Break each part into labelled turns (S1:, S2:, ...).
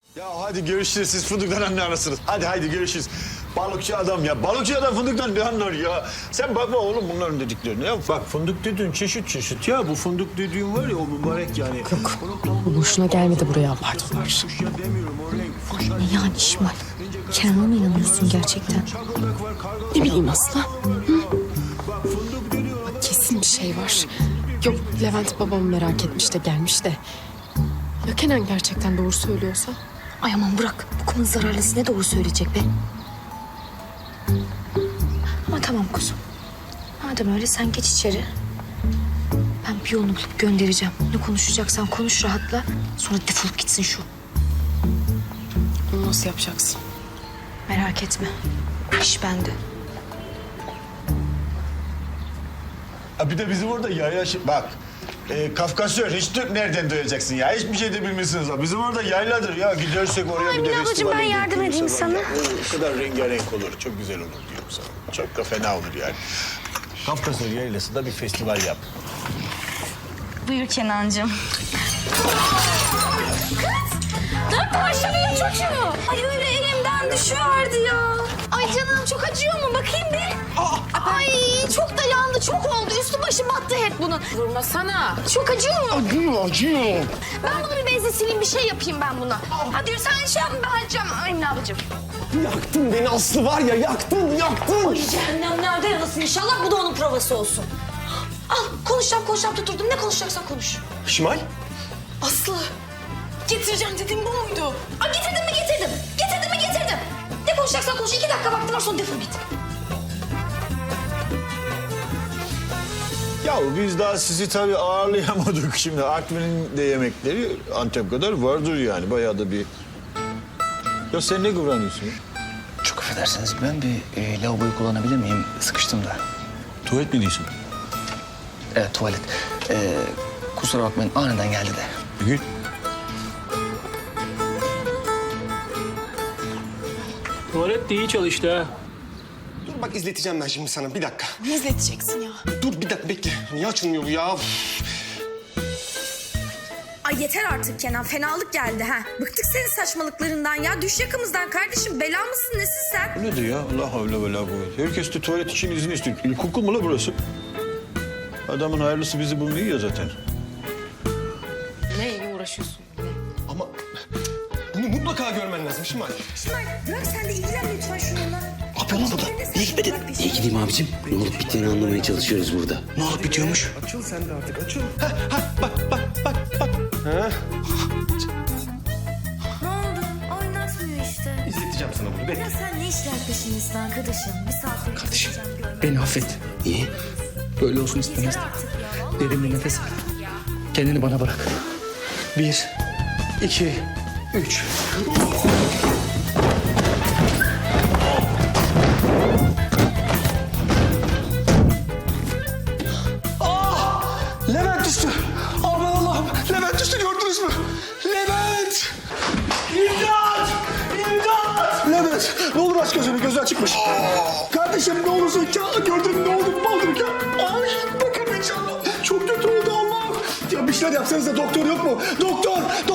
S1: Ya hadi görüşürüz, siz fındıktan ne anlarsınız? Hadi görüşürüz. Balıkçı adam ya, balıkçı adam fındıktan ne anlar ya? Sen bakma oğlum bunların dediklerine ya. Bak fındık dediğin çeşit ya. Bu fındık dediğin var ya o mübarek yani.
S2: Yok, bu boşuna gelmedi buraya abarttılar.
S3: Ne yani İşmal? Kenan'a mı inanıyorsun gerçekten?
S2: Ne bileyim Aslı. Kesin bir şey var. Yok, Levent babamı merak etmiş de gelmiş de. Ya Kenan gerçekten doğru söylüyorsa?
S3: Ay aman bırak. Bu kızın zararlısı ne doğru söyleyecek be? Ama tamam kuzum. Madem öyle sen geç içeri. Ben bir yolunu bulup göndereceğim. Ne konuşacaksan konuş rahatla. Sonra defolup gitsin şu.
S2: Bunu nasıl yapacaksın?
S3: Merak etme. İş bende.
S1: Ha bir de bizim orada yayla... Bak, Kafkasya, hiç Türk nereden duyacaksın ya? Hiçbir şey de bilmiyorsunuz ha. Bizim orada yayladır ya. Gidersek oraya bir de
S3: Ablacığım,
S1: festivale
S3: ben yardım
S1: götürürüz
S3: edeyim
S1: falan
S3: sana.
S1: ya. O kadar rengarenk olur. Çok güzel olur diyorum sana. Çok da fena olur yani. Kafkasya yaylası da bir festival yap.
S4: Buyur Kenancığım.
S3: Dört başlamıyor çocuğu. Ay öyle elimden düşüverdi ya. Ay canım çok acıyor mu? Bakayım bir. Ay çok da yandı, çok oldu. Üstü başı battı hep bunun.
S2: Vurmasana.
S3: Çok acıyor mu?
S1: Acıyor.
S3: Ben bunu bir bezle sileyim, bir şey yapayım ben buna. Hadi yürü sen şey yapma, ben halledeceğim Emine ablacığım.
S5: Yaktın beni Aslı var ya, yaktın.
S3: Ay cehennem nerede yanasın inşallah, bu da onun provası olsun. Al konuşacağım tuturdum. Ne konuşacaksan konuş.
S5: Şimal.
S2: Aslı. Getireceğim dediğim bu muydu?
S3: Ay getirdim mi getirdim. Getirdim mi getirdim. Ne konuşacaksan konuş. 2 dakika vaktim var, sonra defol git.
S1: Ya biz daha sizi tabii ağırlayamadık şimdi. Artvin'in de yemekleri Antep kadar vardır yani. Bayağı da bir... Ya sen ne kıvranıyorsun ya?
S6: Çok affedersiniz, ben bir lavaboyu kullanabilir miyim? Sıkıştım da.
S1: Tuvalet mi diyorsun?
S6: Evet, tuvalet. Kusura bakmayın, aniden geldi de.
S1: Bir git.
S7: Tuvalet de iyi çalıştı ha.
S5: Dur bak, izleteceğim ben şimdi sana, bir dakika.
S2: Ne izleteceksin ya?
S5: Dur bir dakika, bekle. Niye açılmıyor bu ya?
S8: Ay yeter artık Kenan, fenalık geldi ha. Bıktık senin saçmalıklarından ya. Düş yakamızdan kardeşim, bela mısın nesin sen?
S1: Bu nedir ya? Allah havle ve la kuvvete. Herkes de tuvalet için izin istiyor. İlkokul mu la burası? Adamın hayırlısı bizi bulmuyor ya zaten.
S2: Neyle uğraşıyorsun?
S5: Ama bunu mutlaka görmen lazım Şimal.
S8: İsmail bırak sen de ilgilen lütfen şununla.
S9: Yapıyorsun burada. Niye gitmedin? Niye gideyim abicim? Ne olup bittiğini anlamaya çalışıyoruz burada. Ne olup bitiyormuş?
S5: Açıl sen de artık, açıl.
S8: Ne oldu? Oynatmıyor işte.
S5: İzleteceğim sana bunu, bekle.
S8: Ya sen ne işler peşindesin arkadaşım? Bir saattir
S9: Kardeşim,
S8: görmem.
S9: beni affet. Niye? Böyle olsun
S8: Yeter
S9: istemezdim.
S8: artık ya. Vallahi
S9: Derin bir nefes al. Kendini bana bırak. 1, 2, 3.
S5: Levent düştü. Aman Allah'ım, Levent düştü, gördünüz mü? Levent! İmdat! İmdat! Levent, ne olur aç gözünü, gözü açıkmış. Kardeşim ne olursun, ya gördün mü, ne oldu, ne oldu ya? Ay bakın inşallah, çok kötü oldu Allah. Ya bir şeyler yapsanız da, doktor yok mu? Doktor!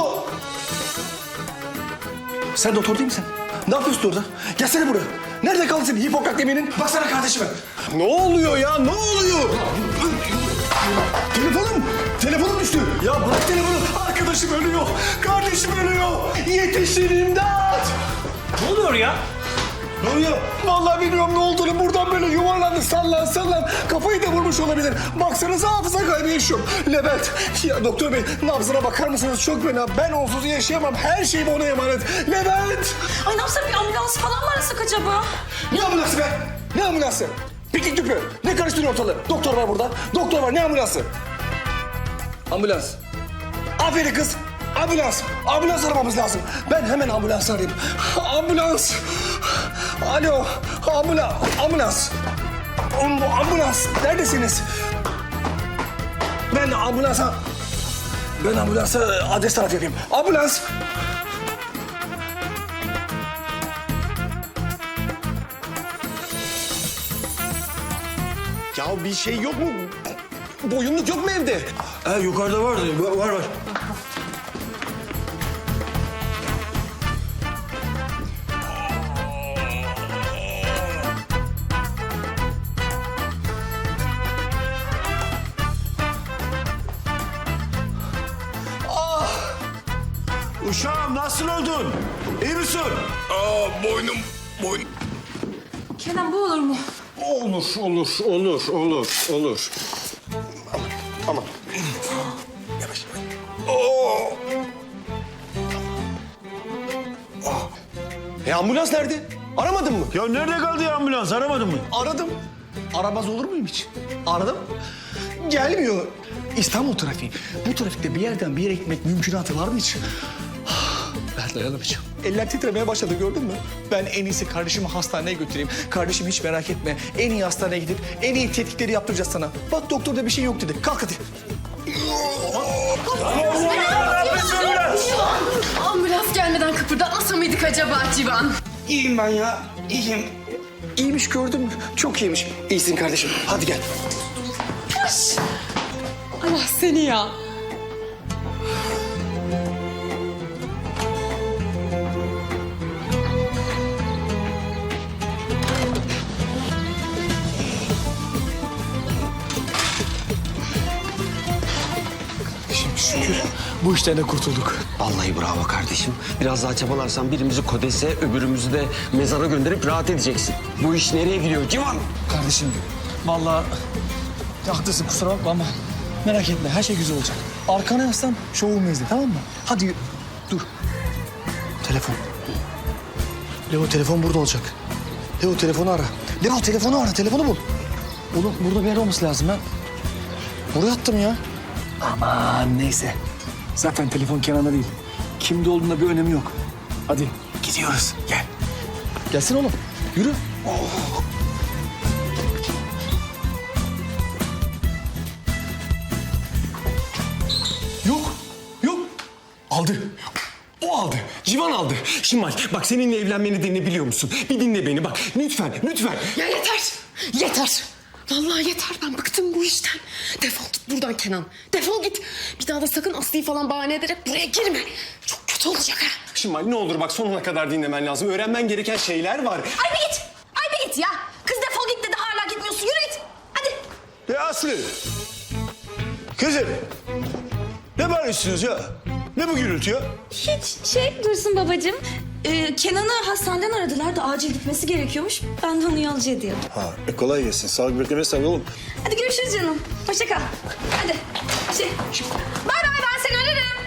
S5: Sen doktor değil misin? Ne yapıyorsun orada? Gelsene buraya. Nerede kaldın senin Hipokrat yeminin? Baksana kardeşime. Ne oluyor ya, ne oluyor? Telefonum düştü. Ya bırak telefonu. Arkadaşım ölüyor. Kardeşim ölüyor. Yetişin imdat.
S7: Ne oluyor ya?
S5: Ne oluyor? Vallahi bilmiyorum ne olduğunu. Buradan böyle yuvarlandı, sallan. Kafayı da vurmuş olabilir. Baksanıza hafıza kaybı yaşıyorum. Levent, ya doktor bey nabzına bakar mısınız? Çok fena. Ben onsuz yaşayamam. Her şeyim ona emanet. Levent!
S8: Ay ne yapsak, bir ambulans falan mı arasak acaba?
S5: Ne ambulansı be? Ne ambulansı? Piknik tüpü. Ne karıştırıyor ortalığı? Doktor var burada. Doktor var. Ne ambulansı? Ambulans. Aferin kız. Ambulans. Ambulans aramamız lazım. Ben hemen ambulans arayayım. Ambulans. Alo. Ambulans. Ambulans. Neredesiniz? Ben ambulansa adres taraf yapayım. Ambulans. Ya bir şey yok mu? Boyunluk yok mu evde?
S1: Ha yukarıda var. nasıl oldun? İyi misin?
S5: Boynum.
S8: Kenan bu olur mu?
S1: Olur.
S5: Aman. Yavaş. Ambulans nerede? Aramadın mı?
S1: Ya nerede kaldı ya ambulans? Aramadın mı?
S5: Aradım. Aramaz olur muyum hiç? Aradım. Gelmiyor. İstanbul trafiği. Bu trafikte bir yerden bir yere gitmek mümkünatı var mı hiç? Ben dayanamayacağım. Eller titremeye başladı gördün mü? Ben en iyisi kardeşimi hastaneye götüreyim. Kardeşim hiç merak etme. En iyi hastaneye gidip en iyi tetkikleri yaptıracağız sana. Bak doktorda bir şey yok dedi. Kalk hadi.
S2: Ambulans gelmeden kıpırdatmasa mıydık acaba Civan?
S5: İyiyim ben ya. İyiyim. İyiymiş gördün mü? Çok iyiymiş. İyisin kardeşim. Hadi gel.
S2: Allah seni ya.
S5: Şimdi şükür bu işten de kurtulduk.
S10: Vallahi bravo kardeşim. Biraz daha çabalarsan birimizi Kodes'e, öbürümüzü de mezara gönderip rahat edeceksin. Bu iş nereye gidiyor Civan?
S5: Kardeşim vallahi haklısın kusura bakma ama merak etme her şey güzel olacak. Arkana yaslan şovumu izle tamam mı? Hadi dur. Telefon. Leo telefon burada olacak. Leo telefonu ara. Leo telefonu ara telefonu bul. Oğlum burada bir yer olması lazım ben. Buraya attım ya. Aman neyse. Zaten telefon Kenan'da değil. Kimde olduğunda bir önemi yok. Hadi gidiyoruz gel. Gelsin oğlum yürü. Yok. Aldı. O aldı. Civan aldı.
S10: Şimal bak seninle evlenme nedenini biliyor musun? Bir dinle beni bak. Lütfen.
S2: Ya yeter. Vallahi yeter. Ben bıktım bu işten. Defol git buradan Kenan. Defol git. Bir daha da sakın Aslı'yı falan bahane ederek buraya girme. Çok kötü olacak ha.
S10: Şimal ne olur bak sonuna kadar dinlemen lazım. Öğrenmen gereken şeyler var.
S3: Ay bir git ya. Kız defol git dedi hala gitmiyorsun. Yürü git. Hadi.
S1: Ya Aslı. Kızım. Ne bağırıyorsunuz ya? Ne bu gürültü ya?
S4: Hiç Dursun babacığım. Kenan'ı hastaneden aradılar da acil gitmesi gerekiyormuş. Ben de onu yolcu ediyordum.
S1: Ha, kolay gelsin. Sağlık beklemezsen oğlum.
S4: Hadi görüşürüz canım. Hoşça kal. Hadi. Bay bay ben seni ararım.